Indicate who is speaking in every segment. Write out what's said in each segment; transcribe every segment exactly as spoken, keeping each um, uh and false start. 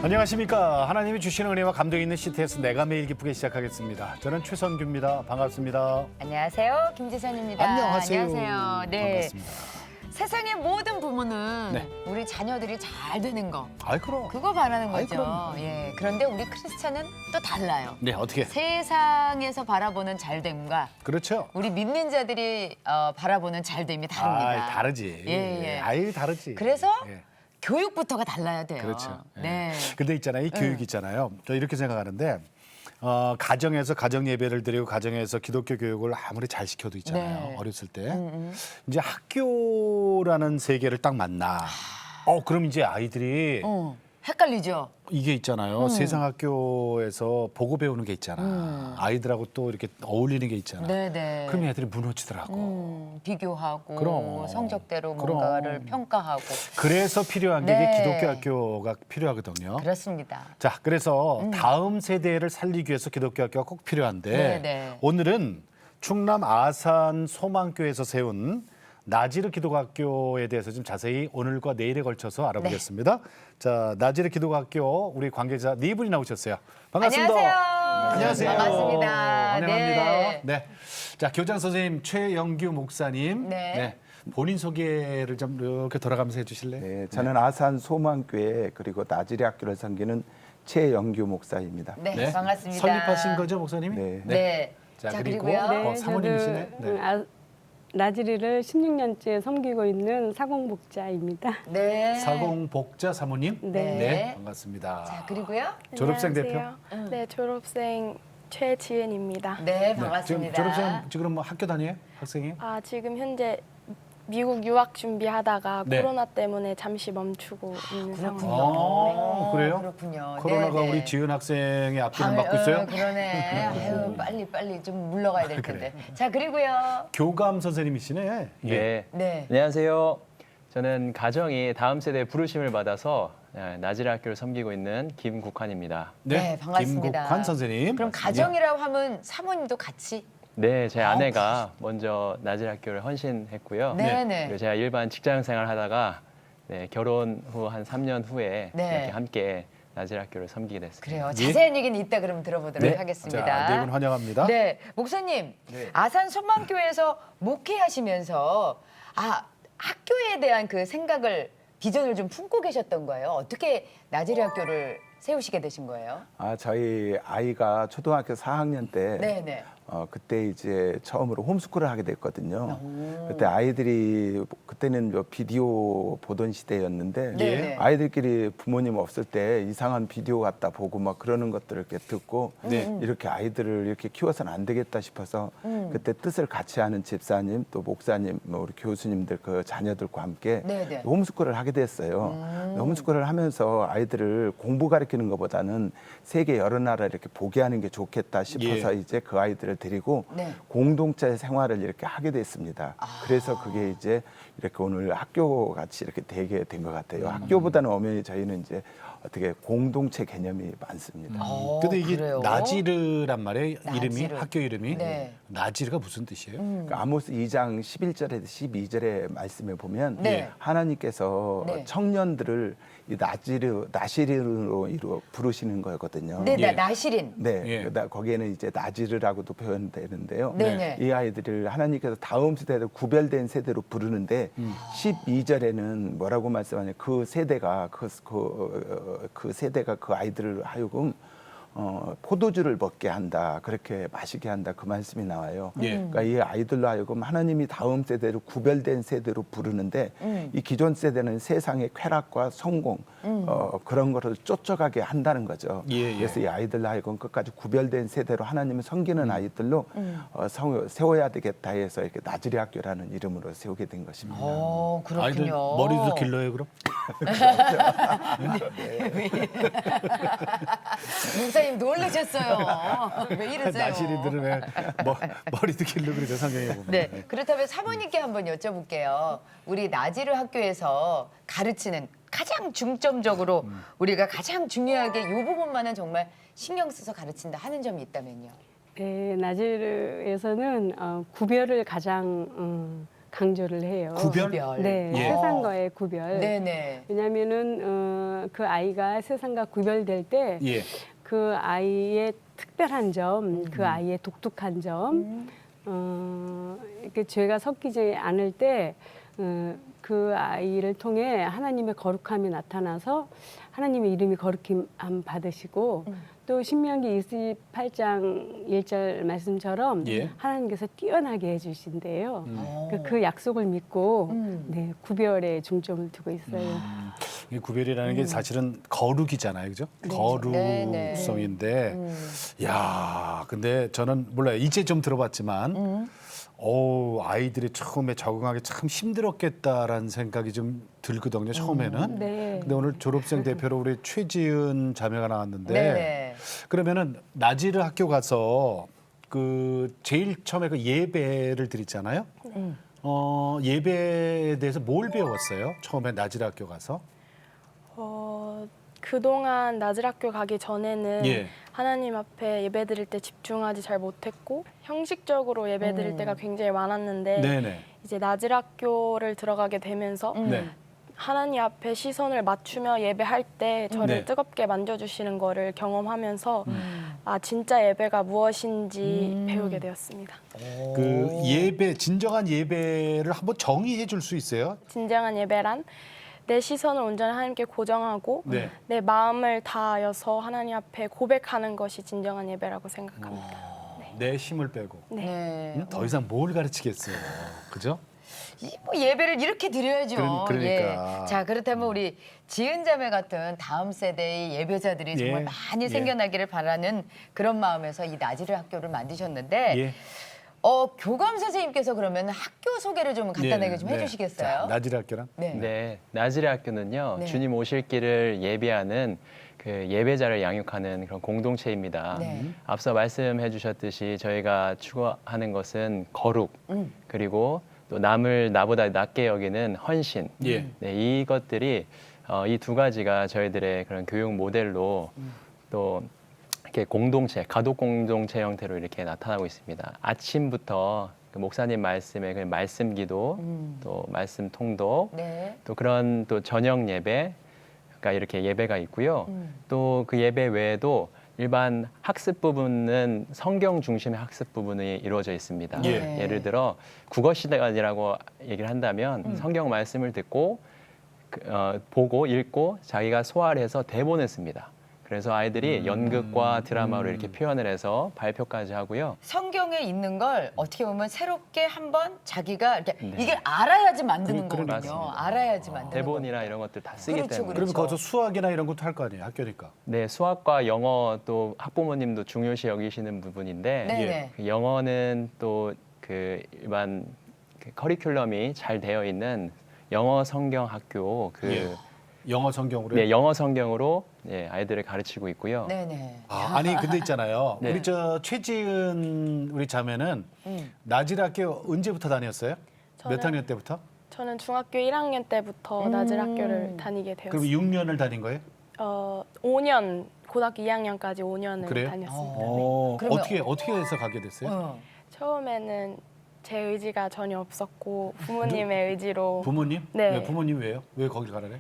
Speaker 1: 안녕하십니까. 하나님이 주시는 은혜와 감동이 있는 씨티에스 내가 매일 기쁘게 시작하겠습니다. 저는 최선규입니다. 반갑습니다.
Speaker 2: 안녕하세요. 김지선입니다.
Speaker 1: 안녕하세요.
Speaker 2: 안녕하세요. 네.
Speaker 1: 반갑습니다.
Speaker 2: 세상의 모든 부모는
Speaker 1: 네.
Speaker 2: 우리 자녀들이 잘 되는 거
Speaker 1: 아이 그럼.
Speaker 2: 그거 바라는
Speaker 1: 아이,
Speaker 2: 거죠.
Speaker 1: 그럼요.
Speaker 2: 예. 그런데 우리 크리스찬은 또 달라요.
Speaker 1: 네, 어떻게?
Speaker 2: 세상에서 바라보는 잘됨과
Speaker 1: 그렇죠.
Speaker 2: 우리 믿는 자들이 어, 바라보는 잘됨이 다릅니다.
Speaker 1: 아이, 다르지.
Speaker 2: 예, 예.
Speaker 1: 아이, 다르지.
Speaker 2: 그래서
Speaker 1: 예.
Speaker 2: 교육부터가 달라야 돼요.
Speaker 1: 그렇죠. 예.
Speaker 2: 네.
Speaker 1: 근데 있잖아요. 이 교육 있잖아요. 저 이렇게 생각하는데 어, 가정에서 가정 예배를 드리고 가정에서 기독교 교육을 아무리 잘 시켜도 있잖아요.
Speaker 2: 네.
Speaker 1: 어렸을 때.
Speaker 2: 음, 음.
Speaker 1: 이제 학교라는 세계를 딱 만나. 어, 그럼 이제 아이들이
Speaker 2: 어, 헷갈리죠.
Speaker 1: 이게 있잖아요.
Speaker 2: 음.
Speaker 1: 세상 학교에서 보고 배우는 게 있잖아.
Speaker 2: 음.
Speaker 1: 아이들하고 또 이렇게 어울리는 게 있잖아.
Speaker 2: 네네.
Speaker 1: 그럼 애들이 무너지더라고.
Speaker 2: 음, 비교하고
Speaker 1: 그럼.
Speaker 2: 성적대로
Speaker 1: 그럼.
Speaker 2: 뭔가를 평가하고
Speaker 1: 그래서 필요한 게
Speaker 2: 네.
Speaker 1: 이게 기독교 학교가 필요하거든요.
Speaker 2: 그렇습니다.
Speaker 1: 자, 그래서 다음 세대를 살리기 위해서 기독교 학교가 꼭 필요한데
Speaker 2: 네, 네.
Speaker 1: 오늘은 충남 아산 소망교에서 세운 나지르 기독학교에 대해서 좀 자세히 오늘과 내일에 걸쳐서 알아보겠습니다.
Speaker 2: 네.
Speaker 1: 자, 나지르 기독학교 우리 관계자 네 분이 나오셨어요. 반갑습니다.
Speaker 2: 안녕하세요.
Speaker 1: 안녕하세요.
Speaker 2: 반갑습니다.
Speaker 1: 환영합니다.
Speaker 2: 네.
Speaker 1: 네. 자, 교장 선생님 최영규 목사님.
Speaker 2: 네.
Speaker 1: 본인 소개를 좀 이렇게 돌아가면서 해주실래요?
Speaker 3: 네, 저는 아산 소망교회 그리고 나지리 학교를 섬기는 최영규 목사입니다.
Speaker 2: 네, 반갑습니다.
Speaker 1: 설립하신 거죠, 목사님이?
Speaker 3: 네.
Speaker 2: 네.
Speaker 1: 자,
Speaker 2: 자,
Speaker 1: 그리고
Speaker 2: 그리고요.
Speaker 1: 어, 사모님이시네.
Speaker 4: 저도
Speaker 1: 네.
Speaker 4: 아, 나지리를 십육 년째 섬기고 있는 사공복자입니다.
Speaker 2: 네.
Speaker 1: 사공복자 사모님.
Speaker 4: 네.
Speaker 1: 반갑습니다.
Speaker 2: 자, 그리고요.
Speaker 1: 졸업생 대표.
Speaker 5: 안녕하세요. 네, 졸업생 최지은입니다.
Speaker 2: 네,
Speaker 1: 네, 지금
Speaker 2: 반갑습니다.
Speaker 1: 졸업생 지금 뭐 학교 다녀요? 학생이에요?
Speaker 5: 아, 지금 현재 미국 유학 준비하다가
Speaker 1: 네.
Speaker 5: 코로나 때문에 잠시 멈추고 있는
Speaker 2: 그렇군요.
Speaker 5: 상황입니다.
Speaker 1: 아, 그래요?
Speaker 2: 그렇군요.
Speaker 1: 코로나가
Speaker 2: 네, 네.
Speaker 1: 우리 지은 학생의 앞길을
Speaker 2: 아,
Speaker 1: 막고
Speaker 2: 어,
Speaker 1: 있어요?
Speaker 2: 그러네. 아유, 빨리 빨리 좀 물러가야 될 텐데.
Speaker 1: 그래.
Speaker 2: 자, 그리고요.
Speaker 1: 교감 선생님이시네.
Speaker 6: 네.
Speaker 2: 네.
Speaker 6: 안녕하세요. 저는 가정이 다음 세대의 부르심을 받아서 나지리 학교를 섬기고 있는 김국환입니다.
Speaker 2: 네, 반갑습니다.
Speaker 1: 김국환 선생님.
Speaker 2: 그럼 가정이라고 하면 사모님도 같이
Speaker 6: 네, 제
Speaker 2: 아,
Speaker 6: 아내가 먼저 나지리 학교를 헌신했고요.
Speaker 2: 네, 네.
Speaker 6: 그리고 제가 일반 직장 생활 하다가 네, 결혼 후 한 삼 년 후에
Speaker 2: 네.
Speaker 6: 이렇게 함께 나지리 학교를 섬기게 됐습니다.
Speaker 2: 그래요.
Speaker 1: 예?
Speaker 2: 자세한 얘기는 이따 그럼 들어보도록
Speaker 1: 네.
Speaker 2: 하겠습니다.
Speaker 1: 자, 네 분 환영합니다.
Speaker 2: 네, 목사님, 아산 소망교회에서 목회하시면서 아 학교에 대한 그 생각을 비전을 좀 품고 계셨던 거예요. 어떻게 나지리 학교를 세우시게 되신 거예요?
Speaker 3: 아, 저희 아이가 초등학교 사 학년 때
Speaker 2: 네, 네.
Speaker 3: 어, 그때 이제 처음으로 홈스쿨을 하게 됐거든요. 그때 아이들이 그때는 뭐 비디오 보던 시대였는데
Speaker 2: 네, 네.
Speaker 3: 아이들끼리 부모님 없을 때 이상한 비디오 갖다 보고 막 그러는 것들을 이렇게 듣고
Speaker 1: 네.
Speaker 3: 이렇게 아이들을 이렇게 키워서는 안 되겠다 싶어서
Speaker 2: 음.
Speaker 3: 그때 뜻을 같이 하는 집사님 또 목사님 뭐 우리 교수님들 그 자녀들과 함께
Speaker 2: 네, 네.
Speaker 3: 홈스쿨을 하게 됐어요.
Speaker 2: 음.
Speaker 3: 홈스쿨을 하면서 아이들을 공부 가르치는 것보다는 세계 여러 나라 이렇게 보게 하는 게 좋겠다 싶어서
Speaker 1: 예.
Speaker 3: 이제 그 아이들을 데리고
Speaker 2: 네.
Speaker 3: 공동체 생활을 이렇게 하게 됐습니다. 그래서 그게 이제 이렇게 오늘 학교 같이 이렇게 되게 된 것 같아요. 학교보다는 엄연히 저희는 이제 어떻게 공동체 개념이 많습니다.
Speaker 2: 어,
Speaker 1: 근데 이게
Speaker 2: 그래요?
Speaker 1: 나지르란 말이에요. 이름이
Speaker 2: 나지르.
Speaker 1: 학교 이름이.
Speaker 2: 네.
Speaker 1: 나지르가 무슨 뜻이에요?
Speaker 3: 그러니까 아모스 이 장 십일 절에서 십이 절의 말씀에 보면
Speaker 2: 네.
Speaker 3: 하나님께서
Speaker 2: 네.
Speaker 3: 청년들을 이 나지르 나시르로 이루 부르시는 거거든요.
Speaker 2: 네,
Speaker 1: 예.
Speaker 2: 나, 나시린.
Speaker 3: 네,
Speaker 1: 예.
Speaker 3: 그다- 거기에는 이제 나지르라고도 표현되는데요.
Speaker 2: 네, 네.
Speaker 3: 이 아이들을 하나님께서 다음 세대로 구별된 세대로 부르는데 십이 절에는 뭐라고 말씀하냐? 그 세대가 그, 그, 어, 그 세대가 그 아이들을 하여금 어, 포도주를 먹게 한다, 그렇게 마시게 한다, 그 말씀이 나와요.
Speaker 1: 예.
Speaker 3: 그러니까 이 아이들로 하여금 하나님이 다음 세대로 구별된 세대로 부르는데
Speaker 2: 음.
Speaker 3: 이 기존 세대는 세상의 쾌락과 성공 어, 그런 거를 쫓아가게 한다는 거죠.
Speaker 1: 예, 예.
Speaker 3: 그래서 이 아이들로 하여금 끝까지 구별된 세대로 하나님을 섬기는 아이들로 어, 성- 세워야 되겠다 해서 이렇게 나지리 학교라는 이름으로 세우게 된 것입니다.
Speaker 2: 어, 그렇군요.
Speaker 1: 아이들 머리도 길러요, 그럼?
Speaker 2: 목사님 놀라셨어요. 왜 이러세요?
Speaker 1: 나시리들은 왜 머, 머리도 길러 그러죠, 성경에 보면.
Speaker 2: 네, 그렇다면 사모님께 한번 여쭤볼게요. 우리 나지르 학교에서 가르치는 가장 중점적으로 우리가 가장 중요하게 이 부분만은 정말 신경 써서 가르친다 하는 점이 있다면요.
Speaker 4: 네, 나지르에서는 어, 구별을 가장 음, 강조를 해요.
Speaker 1: 구별?
Speaker 2: 구별.
Speaker 4: 네,
Speaker 1: 예.
Speaker 4: 세상과의 구별.
Speaker 2: 네네.
Speaker 4: 왜냐하면은 어, 그 아이가 세상과 구별될 때
Speaker 1: 예.
Speaker 4: 그 아이의 특별한 점, 그 아이의 독특한 점,
Speaker 2: 음.
Speaker 4: 어, 이렇게 죄가 섞이지 않을 때, 어, 그 아이를 통해 하나님의 거룩함이 나타나서 하나님의 이름이 거룩힘 받으시고
Speaker 2: 음.
Speaker 4: 또 신명기 이십팔 장 일 절 말씀처럼
Speaker 1: 예.
Speaker 4: 하나님께서 뛰어나게 해주신대요.
Speaker 2: 어.
Speaker 4: 그, 그 약속을 믿고
Speaker 2: 음.
Speaker 4: 네, 구별에 중점을 두고 있어요.
Speaker 1: 이 구별이라는 게 사실은 거룩이잖아요, 그죠?
Speaker 2: 네네.
Speaker 1: 거룩성인데,
Speaker 2: 음.
Speaker 1: 야, 근데 저는 몰라요. 이제 좀 들어봤지만,
Speaker 2: 음.
Speaker 1: 오, 아이들이 처음에 적응하기 참 힘들었겠다라는 생각이 좀 들거든요, 처음에는.
Speaker 4: 네.
Speaker 1: 근데 오늘 졸업생 대표로 우리 최지은 자매가 나왔는데,
Speaker 2: 네네.
Speaker 1: 그러면은 나지르 학교 가서 그 제일 처음에 그 예배를 드리잖아요.
Speaker 2: 음.
Speaker 1: 어, 예배에 대해서 뭘 배웠어요? 처음에 나지르 학교 가서?
Speaker 5: 어, 그동안 나즈락교 가기 전에는
Speaker 1: 예.
Speaker 5: 하나님 앞에 예배 드릴 때 집중하지 잘 못했고 형식적으로 예배 드릴
Speaker 2: 음.
Speaker 5: 때가 굉장히 많았는데
Speaker 1: 네네.
Speaker 5: 이제 나즈락교를 들어가게 되면서
Speaker 2: 음.
Speaker 1: 네.
Speaker 5: 하나님 앞에 시선을 맞추며 예배할 때 저를
Speaker 1: 네.
Speaker 5: 뜨겁게 만져주시는 거를 경험하면서
Speaker 2: 음.
Speaker 5: 아 진짜 예배가 무엇인지
Speaker 2: 음.
Speaker 5: 배우게 되었습니다.
Speaker 1: 그 예배, 진정한 예배를 한번 정의해 줄 수 있어요?
Speaker 5: 진정한 예배란 내 시선을 온전히 하나님께 고정하고
Speaker 1: 네.
Speaker 5: 내 마음을 다하여서 하나님 앞에 고백하는 것이 진정한 예배라고 생각합니다.
Speaker 1: 내 힘을 빼고.
Speaker 2: 네.
Speaker 1: 음, 더 이상 뭘 가르치겠어요. 그죠?
Speaker 2: 이 뭐 예배를 이렇게 드려야죠.
Speaker 1: 그러- 그러니까.
Speaker 2: 예. 자 그렇다면 우리 지은 자매 같은 다음 세대의 예배자들이
Speaker 1: 예.
Speaker 2: 정말 많이
Speaker 1: 예.
Speaker 2: 생겨나기를 바라는 그런 마음에서 이 나지르 학교를 만드셨는데
Speaker 1: 예.
Speaker 2: 어, 교감 선생님께서 그러면 학교 소개를 좀 간단하게
Speaker 1: 네,
Speaker 2: 좀
Speaker 1: 네.
Speaker 2: 해주시겠어요?
Speaker 1: 자, 나지르 학교란?
Speaker 2: 네.
Speaker 6: 네, 나즈레 학교는요.
Speaker 2: 네.
Speaker 6: 주님 오실 길을 예비하는 그 예배자를 양육하는 그런 공동체입니다.
Speaker 2: 네.
Speaker 6: 앞서 말씀해 주셨듯이 저희가 추구하는 것은 거룩,
Speaker 2: 음.
Speaker 6: 그리고 또 남을 나보다 낮게 여기는 헌신.
Speaker 1: 예.
Speaker 6: 네, 이것들이 어, 이 두 가지가 저희들의 그런 교육 모델로 또 이렇게 공동체, 가독 공동체 형태로 이렇게 나타나고 있습니다. 아침부터 그 목사님 말씀의 그 말씀 기도,
Speaker 2: 음.
Speaker 6: 또 말씀 통독,
Speaker 2: 네.
Speaker 6: 또 그런 또 저녁 예배가 이렇게 예배가 있고요.
Speaker 2: 음.
Speaker 6: 또 그 예배 외에도 일반 학습 부분은 성경 중심의 학습 부분이 이루어져 있습니다.
Speaker 1: 예.
Speaker 6: 예를 들어 국어 시간이라고 얘기를 한다면
Speaker 2: 음.
Speaker 6: 성경 말씀을 듣고 그, 어, 보고 읽고 자기가 소화를 해서 대본을 씁니다. 그래서 아이들이 연극과 드라마로 이렇게 표현을 해서 발표까지 하고요.
Speaker 2: 성경에 있는 걸 어떻게 보면 새롭게 한번 자기가 이렇게
Speaker 6: 네.
Speaker 2: 이게 알아야지 만드는
Speaker 1: 그-
Speaker 2: 거거든요.
Speaker 6: 맞습니다.
Speaker 2: 알아야지 만드는
Speaker 6: 대본이나 이런 것들 다 쓰기
Speaker 2: 그렇죠,
Speaker 6: 때문에.
Speaker 2: 그렇죠.
Speaker 1: 그러면 거기서 수학이나 이런 것도 할 거 아니에요, 학교니까.
Speaker 6: 네, 수학과 영어 또 학부모님도 중요시 여기시는 부분인데
Speaker 2: 네네.
Speaker 6: 그 영어는 또 그 일반 그 커리큘럼이 잘 되어 있는 영어 성경 학교 그
Speaker 1: 예. 영어 성경으로.
Speaker 6: 네, 영어 성경으로 예, 아이들을 가르치고 있고요.
Speaker 2: 네네.
Speaker 1: 아, 아니 근데 있잖아요.
Speaker 6: 네.
Speaker 1: 우리 저 최지은 우리 자매는
Speaker 2: 음.
Speaker 1: 나지르 학교 언제부터 다녔어요? 몇
Speaker 5: 저는-
Speaker 1: 학년 때부터?
Speaker 5: 저는 중학교 일 학년 때부터
Speaker 2: 음.
Speaker 5: 나즈레 학교를 다니게
Speaker 1: 그럼
Speaker 5: 되었습니다.
Speaker 1: 육 년을 다닌 거예요?
Speaker 5: 어, 오 년, 고등학교 이 학년까지 오 년을
Speaker 1: 그래요?
Speaker 5: 다녔습니다.
Speaker 1: 어,
Speaker 2: 그러면-
Speaker 1: 어떻게 어떻게 해서 가게 됐어요?
Speaker 2: 어.
Speaker 5: 처음에는 제 의지가 전혀 없었고 부모님의 의지로
Speaker 1: 부모님?
Speaker 5: 네.
Speaker 1: 왜 부모님 왜요? 왜 거길 가라래?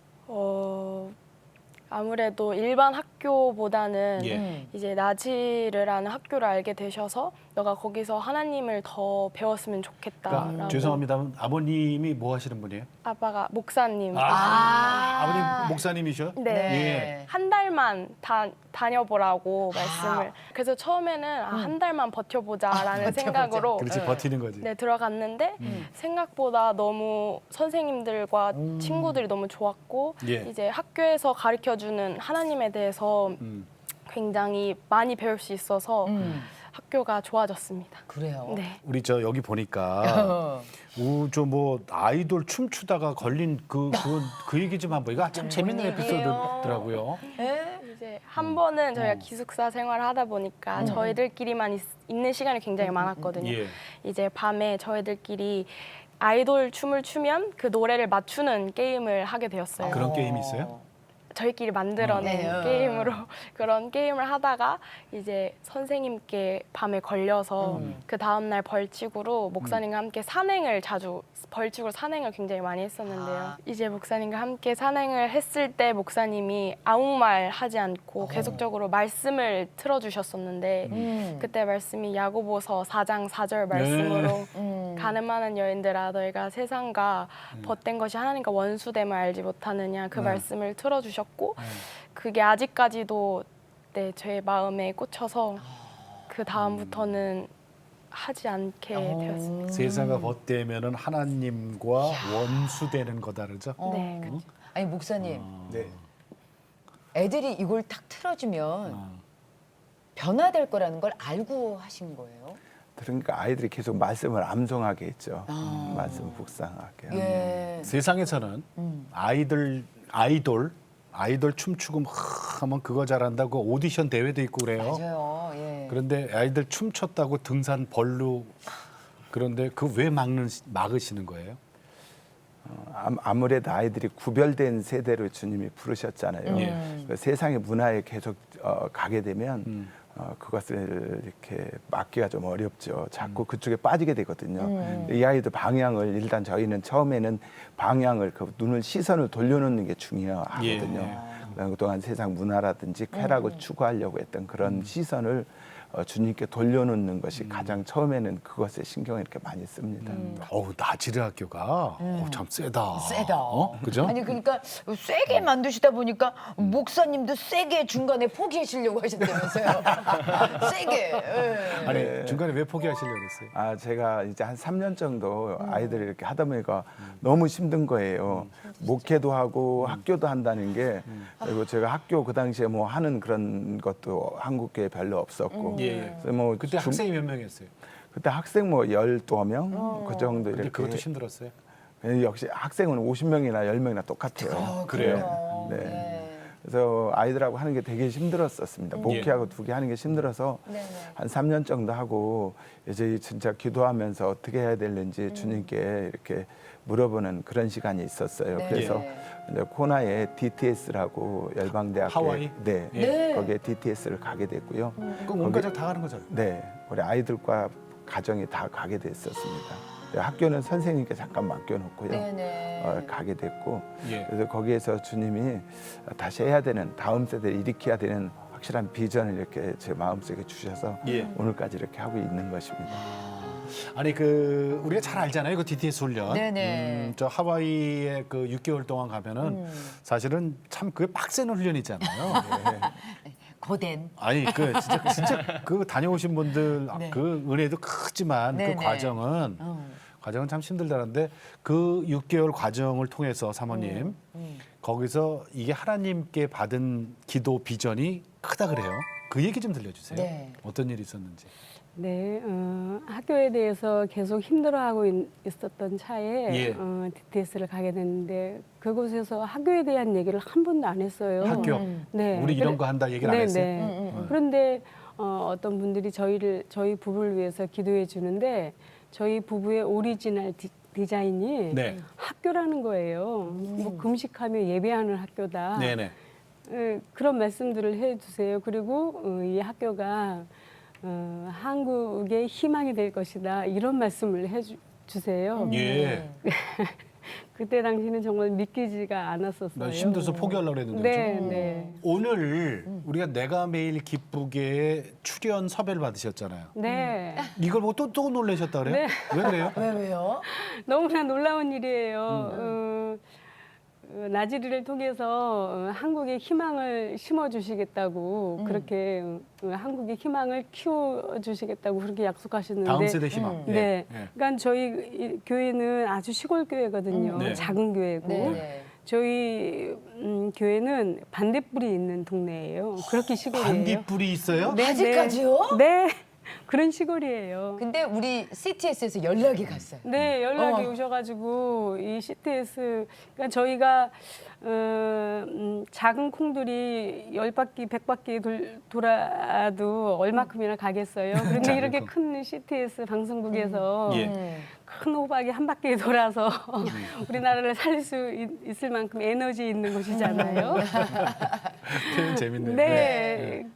Speaker 5: 어, 아무래도 일반 학교보다는
Speaker 1: 예.
Speaker 2: 음.
Speaker 5: 이제 나지르라는 학교를 알게 되셔서 너가 거기서 하나님을 더 배웠으면 좋겠다라고.
Speaker 1: 그러니까 죄송합니다만 아버님이 뭐 하시는 분이에요?
Speaker 5: 아빠가 목사님.
Speaker 1: 아, 아버님 목사님이셔?
Speaker 5: 네.
Speaker 2: 네.
Speaker 5: 한 달만 다, 다녀보라고
Speaker 2: 아.
Speaker 5: 말씀을. 그래서 처음에는 아, 한 달만 버텨보자라는
Speaker 2: 아, 버텨보자.
Speaker 5: 생각으로
Speaker 1: 그렇지
Speaker 2: 네.
Speaker 1: 버티는 거지.
Speaker 5: 네, 들어갔는데
Speaker 2: 음.
Speaker 5: 생각보다 너무 선생님들과
Speaker 2: 음.
Speaker 5: 친구들이 너무 좋았고
Speaker 1: 예.
Speaker 5: 이제 학교에서 가르쳐주는 하나님에 대해서
Speaker 1: 음.
Speaker 5: 굉장히 많이 배울 수 있어서
Speaker 2: 음.
Speaker 5: 학교가 좋아졌습니다.
Speaker 2: 그래요.
Speaker 5: 네.
Speaker 1: 우리 저 여기 보니까
Speaker 2: 어.
Speaker 1: 우저뭐 아이돌 춤추다가 걸린 그 그건 그 얘기 좀 한번 이거 참 재밌는
Speaker 2: 얘기예요?
Speaker 1: 에피소드더라고요.
Speaker 2: 예?
Speaker 5: 이제 한 번은 저희가
Speaker 1: 어.
Speaker 5: 기숙사 생활을 하다 보니까 저희들끼리만 있, 있는 시간이 굉장히 많았거든요.
Speaker 1: 예.
Speaker 5: 이제 밤에 저희들끼리 아이돌 춤을 추면 그 노래를 맞추는 게임을 하게 되었어요.
Speaker 1: 그런 게임이 있어요?
Speaker 5: 저희끼리 만들어낸
Speaker 2: 네.
Speaker 5: 게임으로 그런 게임을 하다가 이제 선생님께 밤에 걸려서
Speaker 2: 음.
Speaker 5: 그 다음날 벌칙으로 목사님과 함께 산행을 자주 벌칙으로 산행을 굉장히 많이 했었는데요.
Speaker 2: 아.
Speaker 5: 이제 목사님과 함께 산행을 했을 때 목사님이 아무 말 하지 않고 계속적으로 말씀을 틀어주셨었는데
Speaker 2: 음.
Speaker 5: 그때 말씀이 야고보서 사 장 사 절 말씀으로
Speaker 2: 음.
Speaker 5: 가늠하는 여인들아 너희가 세상과 벗된 것이 하나님과 원수됨을 알지 못하느냐 그
Speaker 1: 네.
Speaker 5: 말씀을 틀어주셨고 그게 아직까지도 네, 제 마음에 꽂혀서 그 다음부터는 하지 않게
Speaker 2: 어.
Speaker 5: 되었습니다.
Speaker 1: 세상과 벗대면은 하나님과 원수되는 거다 그러죠?
Speaker 2: 어.
Speaker 5: 네,
Speaker 2: 아니 목사님,
Speaker 3: 네.
Speaker 2: 애들이 이걸 딱 틀어주면
Speaker 1: 어.
Speaker 2: 변화될 거라는 걸 알고 하신 거예요?
Speaker 3: 그러니까 아이들이 계속 말씀을 암송하게 했죠.
Speaker 2: 아.
Speaker 3: 음, 말씀 묵상하게.
Speaker 2: 예.
Speaker 1: 세상에서는
Speaker 2: 음.
Speaker 1: 아이들 아이돌 아이돌 춤추고 막 하면 그거 잘한다고 오디션 대회도 있고 그래요.
Speaker 2: 맞아요. 예.
Speaker 1: 그런데 아이들 춤췄다고 등산 벌루 그런데 그 왜 막는 막으시는 거예요?
Speaker 3: 어, 암- 아무래도 아이들이 구별된 세대로 주님이 부르셨잖아요.
Speaker 2: 음.
Speaker 3: 그 세상의 문화에 계속 어, 가게 되면
Speaker 1: 음.
Speaker 3: 어, 그것을 이렇게 막기가 좀 어렵죠. 자꾸 그쪽에 빠지게 되거든요.
Speaker 2: 음.
Speaker 3: 이 아이들 방향을 일단 저희는 처음에는 방향을 그 눈을 시선을 돌려놓는 게 중요하거든요.
Speaker 1: 예.
Speaker 3: 그동안 세상 문화라든지 쾌락을
Speaker 2: 음.
Speaker 3: 추구하려고 했던 그런 시선을 어, 주님께 돌려놓는 것이
Speaker 1: 음.
Speaker 3: 가장 처음에는 그것에 신경을 이렇게 많이 씁니다.
Speaker 1: 어우 나지르 학교가 어, 참 세다.
Speaker 2: 세다.
Speaker 1: 어? 그죠?
Speaker 2: 아니 그러니까 세게 만드시다 보니까 목사님도 세게 중간에 포기하시려고 하셨다면서요. 세게. 예.
Speaker 1: 아니 중간에 왜 포기하시려고 그랬어요?
Speaker 3: 아 제가 이제 한 삼 년 정도 아이들이 이렇게 하다 보니까 너무 힘든 거예요. 목회도 하고 학교도 한다는 게 그리고 제가 학교 그 당시에 뭐 하는 그런 것도 한국교회 별로 없었고
Speaker 1: 예, 예.
Speaker 3: 그래서 뭐
Speaker 1: 그때
Speaker 3: 중-
Speaker 1: 학생이 몇 명이었어요?
Speaker 3: 그때 학생 뭐 열두 명 그 정도
Speaker 1: 근데
Speaker 3: 이렇게
Speaker 1: 그것도 힘들었어요.
Speaker 3: 예, 역시 학생은 오십 명이나 열 명이나 똑같아요.
Speaker 2: 어,
Speaker 1: 그래요?
Speaker 3: 네.
Speaker 2: 네.
Speaker 3: 그래서 아이들하고 하는 게 되게 힘들었었습니다. 목회하고 두 개 하는 게 힘들어서
Speaker 2: 네네.
Speaker 3: 한 삼 년 정도 하고 이제 진짜 기도하면서 어떻게 해야 되는지 주님께 이렇게 물어보는 그런 시간이 있었어요.
Speaker 2: 네.
Speaker 3: 그래서
Speaker 2: 네.
Speaker 3: 이제 코나에 디티에스라고 열방대학교
Speaker 1: 하와이?
Speaker 3: 네,
Speaker 2: 네.
Speaker 3: 거기에 디티에스를 가게 됐고요.
Speaker 1: 그럼 온 가족 다 가는 거잖아요.
Speaker 3: 네, 우리 아이들과 가정이 다 가게 됐었습니다. 네, 학교는 선생님께 잠깐 맡겨놓고요.
Speaker 2: 네네.
Speaker 3: 어, 가게 됐고
Speaker 1: 예.
Speaker 3: 그래서 거기에서 주님이 다시 해야 되는 다음 세대를 일으켜야 되는 확실한 비전을 이렇게 제 마음속에 주셔서
Speaker 1: 예.
Speaker 3: 오늘까지 이렇게 하고 있는 것입니다.
Speaker 1: 아니 그 우리가 잘 알잖아요. 그 디티에스 훈련.
Speaker 2: 네네.
Speaker 1: 음, 저 하와이에 그 육 개월 동안 가면은
Speaker 2: 음.
Speaker 1: 사실은 참 그게 빡센 훈련이잖아요.
Speaker 2: 고된.
Speaker 1: 아니 그 진짜 진짜 그 다녀오신 분들
Speaker 2: 네.
Speaker 1: 그 은혜도 크지만
Speaker 2: 네네.
Speaker 1: 그 과정은
Speaker 2: 어.
Speaker 1: 과정은 참 힘들다는데 그 육 개월 과정을 통해서 사모님
Speaker 2: 음.
Speaker 1: 거기서 이게 하나님께 받은 기도 비전이 크다 그래요. 그 얘기 좀 들려주세요.
Speaker 2: 네.
Speaker 1: 어떤 일이 있었는지.
Speaker 4: 네, 어, 학교에 대해서 계속 힘들어하고 있, 있었던 차에
Speaker 1: 예.
Speaker 4: 어, 디티에스를 가게 됐는데 그곳에서 학교에 대한 얘기를 한 번도 안 했어요.
Speaker 1: 학교.
Speaker 2: 음.
Speaker 4: 네.
Speaker 1: 우리 이런
Speaker 4: 그래-
Speaker 1: 거 한다 얘기를 안
Speaker 4: 네,
Speaker 1: 했어요.
Speaker 4: 네.
Speaker 2: 음, 음, 음.
Speaker 4: 그런데 어, 어떤 분들이 저희를 저희 부부를 위해서 기도해 주는데 저희 부부의 오리지널 디, 디자인이
Speaker 1: 네.
Speaker 4: 학교라는 거예요. 뭐 금식하며 예배하는 학교다.
Speaker 1: 네네.
Speaker 4: 예, 그런 말씀들을 해주세요. 그리고 어, 이 학교가 어, 한국의 희망이 될 것이다. 이런 말씀을 해주세요.
Speaker 1: 예.
Speaker 4: 그때 당시는 정말 믿기지가 않았었어요.
Speaker 1: 나 힘들어서 포기하려고 했는데.
Speaker 4: 네,
Speaker 1: 그죠?
Speaker 4: 네.
Speaker 1: 오늘 우리가 내가 매일 기쁘게 출연 섭외를 받으셨잖아요.
Speaker 4: 네.
Speaker 1: 이걸 보고 또, 또 놀라셨다 그래요?
Speaker 4: 네.
Speaker 1: 왜 그래요?
Speaker 2: 왜 왜요?
Speaker 4: 너무나 놀라운 일이에요. 어, 어, 나지리를 통해서 어, 한국의 희망을 심어주시겠다고
Speaker 2: 음.
Speaker 4: 그렇게 어, 한국의 희망을 키워주시겠다고 그렇게 약속하셨는데
Speaker 1: 다음 세대 희망.
Speaker 2: 음.
Speaker 1: 예.
Speaker 4: 네.
Speaker 1: 예.
Speaker 4: 그러니까 저희 이 교회는 아주 시골 교회거든요.
Speaker 2: 음.
Speaker 1: 네.
Speaker 4: 작은 교회고.
Speaker 2: 네네.
Speaker 4: 저희 음, 교회는 반딧불이 있는 동네예요. 그렇게 시골이에요.
Speaker 1: 반딧불이 있어요?
Speaker 4: 네,
Speaker 2: 아직까지요?
Speaker 4: 네. 그런 시골이에요.
Speaker 2: 근데 우리 씨티에스에서 연락이 갔어요.
Speaker 4: 네, 연락이
Speaker 2: 어.
Speaker 4: 오셔가지고 이 씨티에스, 그러니까 저희가 어, 음, 작은 콩들이 열 바퀴, 백 바퀴 돌, 돌아도 얼마큼이나 가겠어요. 그런데
Speaker 1: 작은
Speaker 4: 이렇게
Speaker 1: 콩.
Speaker 4: 큰 씨티에스 방송국에서
Speaker 1: 예.
Speaker 2: 음.
Speaker 4: 큰 호박이 한 바퀴 돌아서 우리나라를 살릴 수 있, 있을 만큼 에너지 있는 곳이잖아요.
Speaker 1: 표현 재밌네요.
Speaker 4: 네.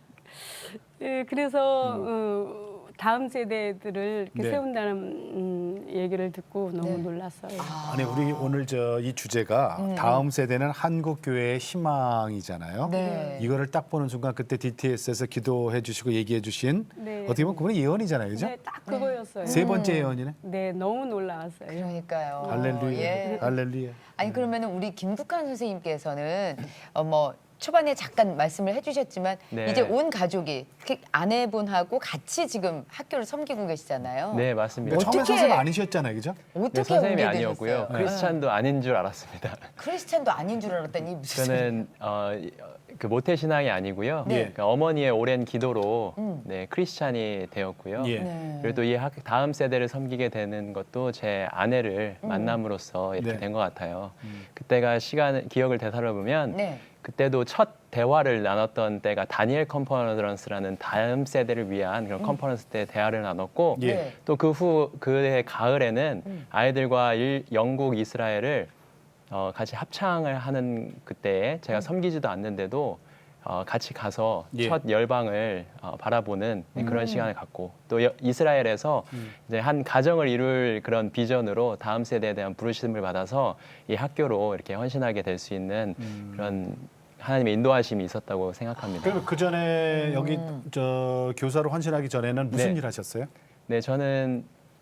Speaker 4: 네, 그래서 어, 다음 세대들을 이렇게
Speaker 1: 네.
Speaker 4: 세운다는 음, 얘기를 듣고 너무
Speaker 2: 네.
Speaker 4: 놀랐어요.
Speaker 1: 아니 우리 오늘 저 이 주제가 다음 세대는 한국 교회의 희망이잖아요.
Speaker 2: 네.
Speaker 1: 이거를 딱 보는 순간 그때 디티에스에서 기도해 주시고 얘기해 주신
Speaker 4: 네.
Speaker 1: 어떻게 보면 그건 예언이잖아요, 그죠?
Speaker 4: 네, 딱 그거였어요.
Speaker 1: 세 번째 예언이네.
Speaker 4: 네, 너무 놀라웠어요.
Speaker 2: 그러니까요.
Speaker 1: 할렐루야,
Speaker 2: 예.
Speaker 1: 할렐루야.
Speaker 2: 아니 그러면 우리 김국환 선생님께서는 어, 뭐 초반에 잠깐 말씀을 해주셨지만
Speaker 6: 네.
Speaker 2: 이제 온 가족이 특히 아내분하고 같이 지금 학교를 섬기고 계시잖아요.
Speaker 6: 네, 맞습니다.
Speaker 1: 그러니까 처음에
Speaker 2: 어떻게-
Speaker 1: 선생님 아니셨잖아요, 그죠?
Speaker 2: 어떻게
Speaker 6: 네, 선생님이
Speaker 2: 오게
Speaker 6: 아니었고요.
Speaker 2: 되셨어요?
Speaker 6: 크리스찬도 아닌 줄 알았습니다.
Speaker 2: 크리스찬도 아닌 줄 알았더니 무슨 소리예요?
Speaker 6: 저는 어, 이- 그 모태 신앙이 아니고요.
Speaker 2: 네.
Speaker 6: 그러니까 어머니의 오랜 기도로
Speaker 2: 음.
Speaker 6: 네, 크리스찬이 되었고요.
Speaker 1: 예.
Speaker 2: 네.
Speaker 6: 그래도 이 학- 다음 세대를 섬기게 되는 것도 제 아내를
Speaker 2: 음.
Speaker 6: 만남으로써 이렇게
Speaker 1: 네.
Speaker 6: 된 것 같아요. 그때가 시간 기억을 되살아보면
Speaker 2: 네.
Speaker 6: 그때도 첫 대화를 나눴던 때가 다니엘 컨퍼런스라는 다음 세대를 위한 그런 컨퍼런스 때 대화를 나눴고
Speaker 1: 예.
Speaker 2: 네.
Speaker 6: 또 그 후 그해 가을에는
Speaker 2: 음.
Speaker 6: 아이들과 일, 영국, 이스라엘을 어, 같이 합창을 하는 그때에 제가 섬기지도 않는데도 어, 같이 가서
Speaker 1: 예.
Speaker 6: 첫 열방을 어, 바라보는
Speaker 2: 음.
Speaker 6: 그런 시간을 갖고 또 여- 이스라엘에서 이제 한 가정을 이룰 그런 비전으로 다음 세대에 대한 부르심을 받아서 이 학교로 이렇게 헌신하게 될 수 있는 그런 하나님의 인도하심이 있었다고 생각합니다.
Speaker 1: 그리고 그 전에 여기
Speaker 2: 음.
Speaker 1: 저 교사로 헌신하기 전에는 무슨
Speaker 6: 네.
Speaker 1: 일 하셨어요?
Speaker 6: 네, 저는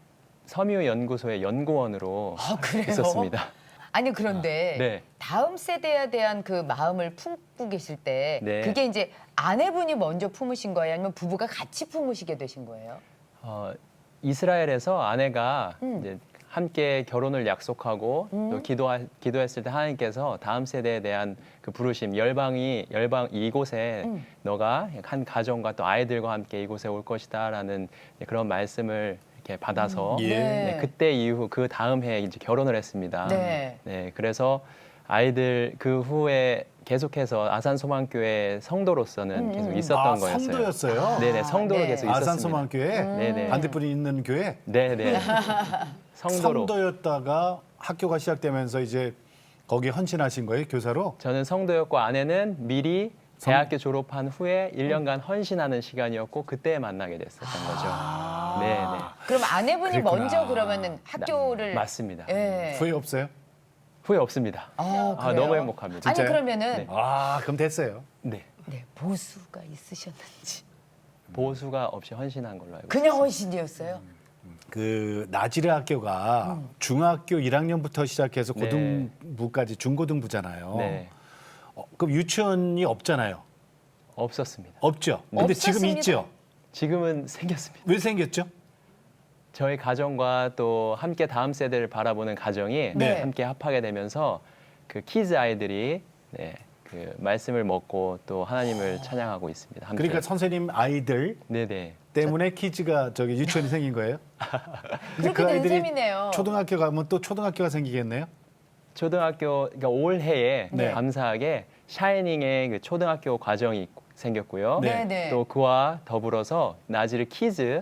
Speaker 6: 섬유 연구소의 연구원으로
Speaker 2: 아, 그래요?
Speaker 6: 있었습니다.
Speaker 2: 아니 그런데
Speaker 6: 네.
Speaker 2: 다음 세대에 대한 그 마음을 품고 계실 때
Speaker 6: 네.
Speaker 2: 그게 이제 아내분이 먼저 품으신 거예요? 아니면 부부가 같이 품으시게 되신 거예요?
Speaker 6: 어, 이스라엘에서 아내가
Speaker 2: 음.
Speaker 6: 이제 함께 결혼을 약속하고
Speaker 2: 음.
Speaker 6: 또 기도하, 기도했을 때 하나님께서 다음 세대에 대한 그 부르심 열방이 열방 이곳에
Speaker 2: 음.
Speaker 6: 너가 한 가정과 또 아이들과 함께 이곳에 올 것이다라는 그런 말씀을 이렇게 받아서
Speaker 1: 예.
Speaker 6: 네, 그때 이후 그 다음 해에 이제 결혼을 했습니다.
Speaker 2: 네.
Speaker 6: 네, 그래서 아이들 그 후에 계속해서 아산소망교회 성도로서는
Speaker 2: 음,
Speaker 6: 계속
Speaker 2: 음.
Speaker 6: 있었던
Speaker 1: 아,
Speaker 6: 거였어요.
Speaker 1: 성도였어요.
Speaker 6: 네네, 성도로
Speaker 2: 네.
Speaker 6: 계속 있었습니다.
Speaker 1: 아산소망교회
Speaker 6: 네네.
Speaker 1: 반대편에 있는 교회
Speaker 6: 네네. 성도로.
Speaker 1: 성도였다가 학교가 시작되면서 이제 거기 헌신하신 거예요, 교사로?
Speaker 6: 저는 성도였고 아내는 미리
Speaker 1: 성-
Speaker 6: 대학교 졸업한 후에 일 년간 헌신하는 시간이었고 그때 만나게 됐었던 거죠. 네네.
Speaker 2: 그럼 아내분이
Speaker 1: 그랬구나.
Speaker 2: 먼저 그러면은 학교를
Speaker 6: 맞습니다.
Speaker 2: 예.
Speaker 1: 후회 없어요?
Speaker 6: 후회 없습니다.
Speaker 2: 아,
Speaker 6: 아,
Speaker 2: 그래요?
Speaker 6: 너무 행복합니다.
Speaker 2: 아니
Speaker 1: 진짜요?
Speaker 2: 그러면은
Speaker 6: 네.
Speaker 1: 아, 그럼 됐어요.
Speaker 6: 네.
Speaker 2: 네, 보수가 있으셨는지
Speaker 6: 보수가 없이 헌신한 걸로 알고
Speaker 2: 그냥 헌신이었어요?
Speaker 1: 그 나지레 학교가 중학교 일 학년부터 시작해서
Speaker 6: 네.
Speaker 1: 고등부까지 중고등부잖아요.
Speaker 6: 있습니다. 네.
Speaker 1: 어, 그럼 유치원이 없잖아요.
Speaker 6: 없었습니다.
Speaker 1: 없죠. 근데 지금
Speaker 2: 없었습니다.
Speaker 1: 있죠.
Speaker 6: 지금은 생겼습니다.
Speaker 1: 왜 생겼죠?
Speaker 6: 저희 가정과 또 함께 다음 세대를 바라보는 가정이
Speaker 2: 네.
Speaker 6: 함께 합하게 되면서 그 키즈 아이들이 네, 그 말씀을 먹고 또 하나님을 찬양하고 있습니다. 함께.
Speaker 1: 그러니까 선생님 아이들
Speaker 6: 네네.
Speaker 1: 때문에 키즈가 저기 유치원이 생긴 거예요? 근데
Speaker 2: 그렇게 된 셈이네요.
Speaker 1: 초등학교 가면 또 초등학교가 생기겠네요?
Speaker 6: 초등학교 그러니까 올해에
Speaker 1: 네.
Speaker 6: 감사하게 샤이닝의 그 초등학교 과정이 있- 생겼고요.
Speaker 1: 네.
Speaker 2: 네, 네.
Speaker 6: 또 그와 더불어서 나지르 키즈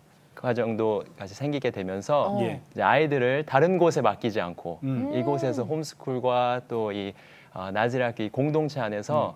Speaker 6: 과정도 같이 생기게 되면서
Speaker 2: 어.
Speaker 1: 예.
Speaker 6: 이제 아이들을 다른 곳에 맡기지 않고
Speaker 1: 음.
Speaker 6: 이곳에서 홈스쿨과 또 이 어, 나지르 학교 이 공동체 안에서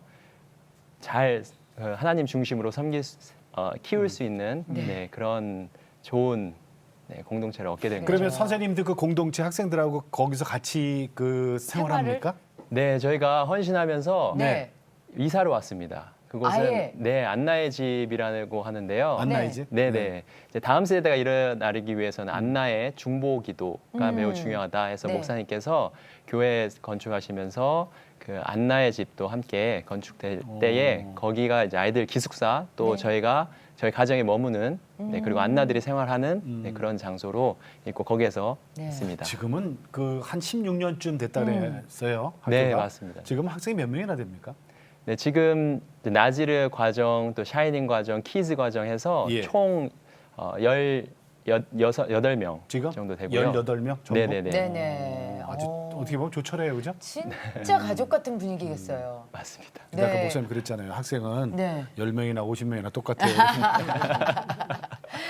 Speaker 6: 잘 어, 하나님 중심으로 섬길 수, 어, 키울 수 있는 네, 그런 좋은 네, 공동체를 얻게 된 거죠.
Speaker 1: 그러면 선생님들 그 공동체 학생들하고 거기서 같이 그 생활합니까?
Speaker 6: 네, 저희가 헌신하면서
Speaker 2: 네.
Speaker 6: 이사를 왔습니다. 그곳은
Speaker 2: 아예?
Speaker 6: 네 안나의 집이라고 하는데요.
Speaker 1: 안나의 집?
Speaker 6: 네, 네. 이제 다음 세대가 일어나기 위해서는 안나의 중보 기도가
Speaker 2: 음.
Speaker 6: 매우 중요하다 해서
Speaker 2: 네.
Speaker 6: 목사님께서 교회 건축하시면서 그 안나의 집도 함께 건축될 때에 거기가 이제 아이들 기숙사 또
Speaker 2: 네.
Speaker 6: 저희가 저희 가정에 머무는 네, 그리고
Speaker 2: 음.
Speaker 6: 안나들이 생활하는 네, 그런 장소로 있고 거기에서
Speaker 2: 네.
Speaker 6: 있습니다.
Speaker 1: 지금은 그 한 십육 년쯤 됐다
Speaker 2: 음.
Speaker 1: 그랬어요. 학교가.
Speaker 6: 네, 맞습니다.
Speaker 1: 지금 학생이 몇 명이나 됩니까?
Speaker 6: 네, 지금 이제 나지르 과정, 또 샤이닝 과정, 키즈 과정 해서
Speaker 1: 예.
Speaker 6: 총 어, 열, 여, 여섯, 여덟 명
Speaker 1: 지금
Speaker 6: 정도 되고요.
Speaker 1: 열여덟 명 정도?
Speaker 6: 네네네.
Speaker 2: 네네.
Speaker 1: 어, 아주
Speaker 2: 어.
Speaker 1: 어떻게 보면 조촐해요, 그죠?
Speaker 2: 진짜 가족 같은 분위기겠어요.
Speaker 6: 맞습니다.
Speaker 1: 근데 아까
Speaker 2: 네.
Speaker 1: 목사님 그랬잖아요. 학생은
Speaker 2: 네.
Speaker 1: 열 명이나 오십 명이나 똑같아요.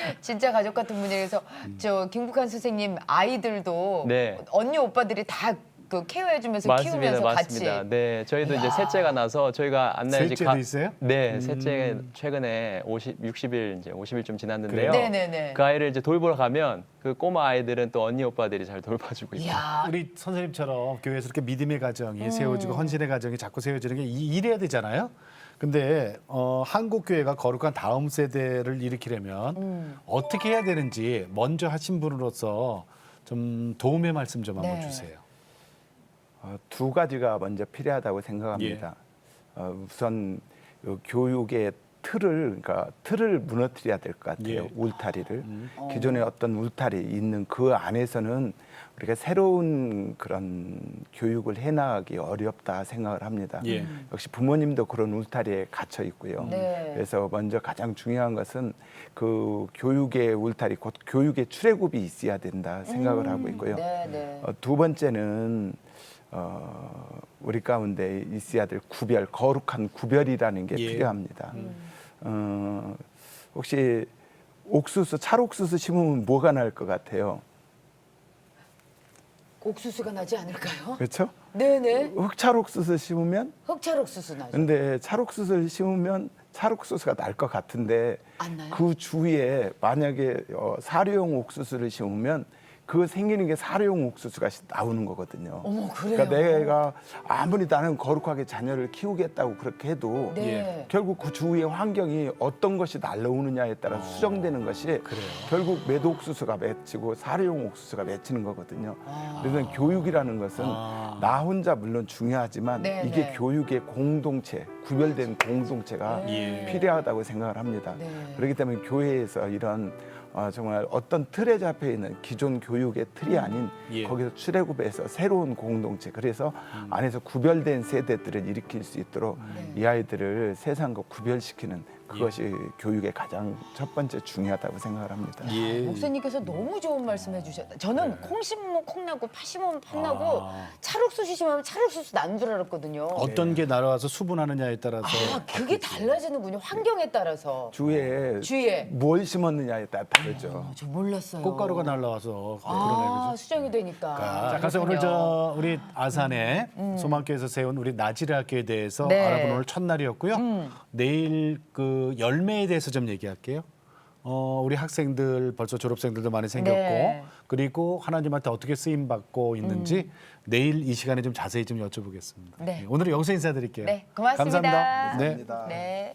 Speaker 2: 진짜 가족 같은 분위기에서 저 김국환 선생님 아이들도
Speaker 6: 네.
Speaker 2: 언니 오빠들이 다 그 케어해주면서
Speaker 6: 맞습니다,
Speaker 2: 키우면서
Speaker 6: 맞습니다.
Speaker 2: 같이.
Speaker 6: 네, 저희도 이제
Speaker 2: 이야.
Speaker 6: 셋째가 나서 저희가 안나의 집
Speaker 1: 셋째도 있어요?
Speaker 6: 네,
Speaker 1: 음.
Speaker 6: 셋째 최근에 오십, 육십 일 이제 오십 일 좀 지났는데요.
Speaker 1: 그래요?
Speaker 2: 네네네.
Speaker 6: 그 아이를 이제 돌보러 가면 그 꼬마 아이들은 또 언니 오빠들이 잘 돌봐주고 있어요.
Speaker 2: 이야.
Speaker 1: 우리 선생님처럼 교회에서 이렇게 믿음의 가정이
Speaker 2: 음.
Speaker 1: 세워지고 헌신의 가정이 자꾸 세워지는 게 이- 이래야 되잖아요. 근데 어, 한국 교회가 거룩한 다음 세대를 일으키려면
Speaker 2: 음.
Speaker 1: 어떻게 해야 되는지 먼저 하신 분으로서 좀 도움의 말씀 좀 한번
Speaker 2: 네.
Speaker 1: 주세요.
Speaker 3: 어, 두 가지가 먼저 필요하다고 생각합니다. 어, 우선 요 교육의 틀을 그러니까 틀을 무너뜨려야 될 것 같아요.
Speaker 1: 예.
Speaker 3: 울타리를 기존에 어떤 울타리 있는 그 안에서는 우리가 새로운 그런 교육을 해나가기 어렵다 생각을 합니다.
Speaker 1: 예.
Speaker 3: 역시 부모님도 그런 울타리에 갇혀 있고요.
Speaker 2: 네.
Speaker 3: 그래서 먼저 가장 중요한 것은 그 교육의 울타리, 곧 교육의 출애굽이 있어야 된다 생각을 하고 있고요.
Speaker 2: 네네.
Speaker 3: 어, 두 번째는 어, 우리 가운데 있어야 될 구별, 거룩한 구별이라는 게
Speaker 1: 예.
Speaker 3: 필요합니다. 어, 혹시 옥수수, 찰옥수수 심으면 뭐가 날 것 같아요?
Speaker 2: 옥수수가 나지 않을까요?
Speaker 3: 그렇죠?
Speaker 2: 네네.
Speaker 3: 흑찰옥수수 심으면
Speaker 2: 흑찰옥수수 나죠.
Speaker 3: 근데 찰옥수수를 심으면 찰옥수수가 날 것 같은데
Speaker 2: 안 나요?
Speaker 3: 그 주위에 만약에 어, 사료용 옥수수를 심으면 그 생기는 게 사료용 옥수수가 시- 나오는 거거든요.
Speaker 2: 어머, 그래요?
Speaker 3: 그러니까 내가 아무리 나는 거룩하게 자녀를 키우겠다고 그렇게 해도
Speaker 2: 네.
Speaker 3: 결국 그 주위의 환경이 어떤 것이 날라오느냐에 따라 수정되는 것이 결국 매도옥수수가 맺히고 사료용 옥수수가 맺히는 거거든요. 그래서 교육이라는 것은
Speaker 1: 아.
Speaker 3: 나 혼자 물론 중요하지만
Speaker 2: 네,
Speaker 3: 이게
Speaker 2: 네.
Speaker 3: 교육의 공동체, 구별된 공동체가
Speaker 1: 예.
Speaker 3: 필요하다고 생각을 합니다.
Speaker 2: 네.
Speaker 3: 그렇기 때문에 교회에서 이런 어, 정말 어떤 틀에 잡혀 있는 기존 교육의 틀이 아닌
Speaker 1: 예.
Speaker 3: 거기서 출애굽해서 새로운 공동체, 그래서 안에서 구별된 세대들을 일으킬 수 있도록 이 아이들을 세상과 구별시키는 그것이 교육의 가장 첫 번째 중요하다고 생각을 합니다.
Speaker 1: 예.
Speaker 2: 목사님께서 너무 좋은 말씀해 주셨다. 저는 콩 심으면 콩 나고 파 심으면 파 나고
Speaker 1: 아.
Speaker 2: 찰옥수수 심으면 찰옥수수 나는 줄 알았거든요.
Speaker 1: 어떤 게 날아와서 수분하느냐에 따라서
Speaker 2: 아, 그게 달라지는군요. 환경에 따라서.
Speaker 3: 주위에
Speaker 2: 주위에.
Speaker 3: 뭘 심었느냐에 따라 다르죠.
Speaker 2: 어, 저 몰랐어요.
Speaker 1: 꽃가루가 날라와서
Speaker 2: 아,
Speaker 1: 그러네 그죠?
Speaker 2: 수정이 되니까.
Speaker 1: 자, 그래서 오늘
Speaker 2: 그렇군요.
Speaker 1: 저 우리 아산에 소망교에서 세운 우리 나지르 학교에 대해서
Speaker 2: 네.
Speaker 1: 알아본 오늘 첫날이었고요. 내일 그 열매에 대해서 좀 얘기할게요. 어, 우리 학생들 벌써 졸업생들도 많이 생겼고
Speaker 2: 네.
Speaker 1: 그리고 하나님한테 어떻게 쓰임 받고 있는지 내일 이 시간에 좀 자세히 좀 여쭤보겠습니다.
Speaker 2: 네.
Speaker 1: 오늘은 여기서 인사드릴게요.
Speaker 2: 네, 고맙습니다.
Speaker 1: 감사합니다. 네.
Speaker 2: 네.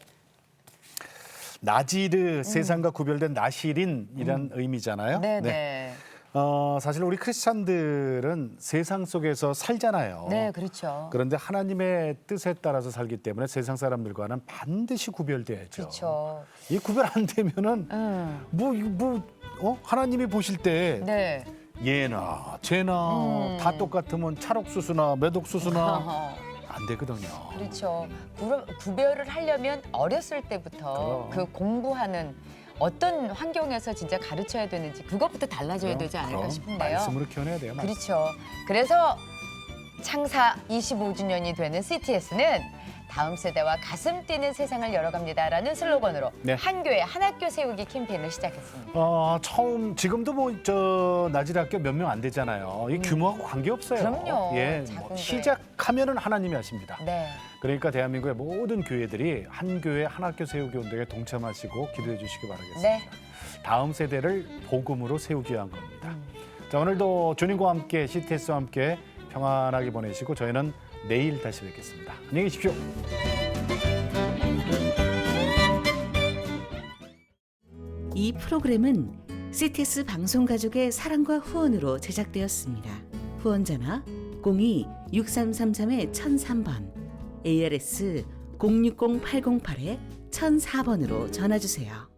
Speaker 1: 나지르 세상과 구별된 나시린이란 의미잖아요.
Speaker 2: 네, 네.
Speaker 1: 어, 사실 우리 크리스찬들은 세상 속에서 살잖아요.
Speaker 2: 네, 그렇죠.
Speaker 1: 그런데 하나님의 뜻에 따라서 살기 때문에 세상 사람들과는 반드시 구별돼야죠.
Speaker 2: 그렇죠.
Speaker 1: 이 구별 안 되면은
Speaker 2: 음.
Speaker 1: 뭐, 이거 뭐 어? 하나님이 보실 때
Speaker 2: 네.
Speaker 1: 얘나 쟤나
Speaker 2: 음.
Speaker 1: 다 똑같으면 찰옥수수나 매독수수나
Speaker 2: 어허.
Speaker 1: 안 되거든요.
Speaker 2: 그렇죠. 구, 구별을 하려면 어렸을 때부터
Speaker 1: 그럼.
Speaker 2: 그 공부하는 어떤 환경에서 진짜 가르쳐야 되는지 그것부터 달라져야 되지 않을까
Speaker 1: 그럼
Speaker 2: 싶은데요.
Speaker 1: 말씀으로 키워내야 돼요. 말씀.
Speaker 2: 그렇죠. 그래서 창사 이십오 주년이 되는 씨티에스는 다음 세대와 가슴 뛰는 세상을 열어갑니다라는 슬로건으로
Speaker 1: 네.
Speaker 2: 한 교회 한 학교 세우기 캠페인을 시작했습니다.
Speaker 1: 어, 처음 지금도 뭐 저 나지르 학교 몇 명 안 되잖아요. 이 규모하고 관계 없어요.
Speaker 2: 음. 그럼요.
Speaker 1: 예,
Speaker 2: 작은
Speaker 1: 뭐
Speaker 2: 교회.
Speaker 1: 시작하면은 하나님이 하십니다.
Speaker 2: 네.
Speaker 1: 그러니까 대한민국의 모든 교회들이 한 교회 한 학교 세우기 운동에 동참하시고 기도해 주시기 바라겠습니다.
Speaker 2: 네.
Speaker 1: 다음 세대를 복음으로 세우기 위한 겁니다.
Speaker 2: 음.
Speaker 1: 자, 오늘도 주님과 함께 씨티에스와 함께 평안하게 보내시고 저희는 내일 다시 뵙겠습니다. 안녕히 계십시오.
Speaker 7: 이 프로그램은 씨티에스 방송가족의 사랑과 후원으로 제작되었습니다. 후원전화 공이 육삼삼삼 천삼 번, 에이알에스 공육공 팔공팔 천사 번으로 전화주세요.